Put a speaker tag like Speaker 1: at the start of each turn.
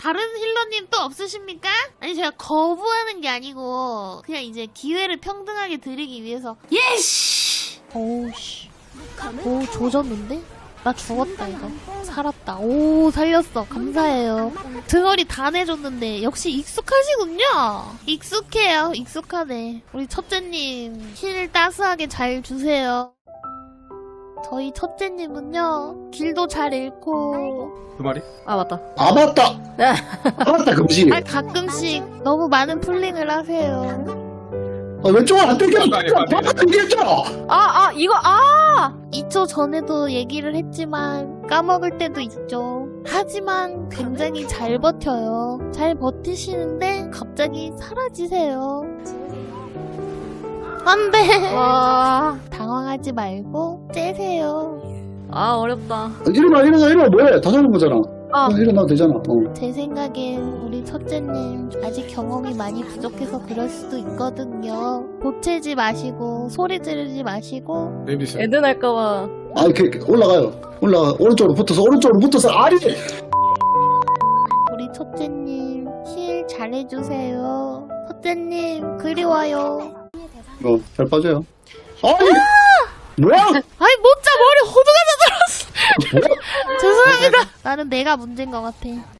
Speaker 1: 다른 힐러님 또 없으십니까? 아니 제가 거부하는 게 아니고 그냥 이제 기회를 평등하게 드리기 위해서. 예씨! 오우씨. 오 조졌는데? 나 죽었다 이거. 살았다. 오 살렸어. 감사해요. 등어리 다 내줬는데 역시 익숙하시군요. 익숙해요. 익숙하네. 우리 첫째님 힐 따스하게 잘 주세요. 저희 첫째님은요 길도 잘 잃고
Speaker 2: 그 말이?
Speaker 3: 아 맞다.
Speaker 4: 아 맞다.
Speaker 3: 네.
Speaker 4: 아 맞다 금시.
Speaker 1: 가끔씩 너무 많은 풀링을 하세요.
Speaker 4: 아, 왼쪽은 안 땡겨.
Speaker 2: 아니, 아니.
Speaker 4: 바깥 땡겼잖아.
Speaker 3: 이거
Speaker 1: 2초 전에도 얘기를 했지만 까먹을 때도 있죠. 하지만 굉장히 잘 버텨요. 잘 버티시는데 갑자기 사라지세요. 안 돼.
Speaker 3: 와.
Speaker 1: 당황하지 말고 째세요.
Speaker 3: 어렵다.
Speaker 4: 일어나 뭐해? 다 잡은 거잖아.
Speaker 3: 아.
Speaker 4: 일어나도 되잖아.
Speaker 1: 제 생각엔 우리 첫째님 아직 경험이 많이 부족해서 그럴 수도 있거든요. 보채지 마시고 소리 지르지 마시고
Speaker 2: 네임디스.
Speaker 3: 애드 날까봐.
Speaker 4: 아 이렇게 올라가요. 오른쪽으로 붙어서 아리.
Speaker 1: 우리 첫째님 힐 잘해주세요. 첫째님 그리워요.
Speaker 4: 잘 빠져요. 아니 뭐야?
Speaker 1: 아이 못자 머리 호두가 져들었어. 죄송합니다. 나는 내가 문제인 것 같아.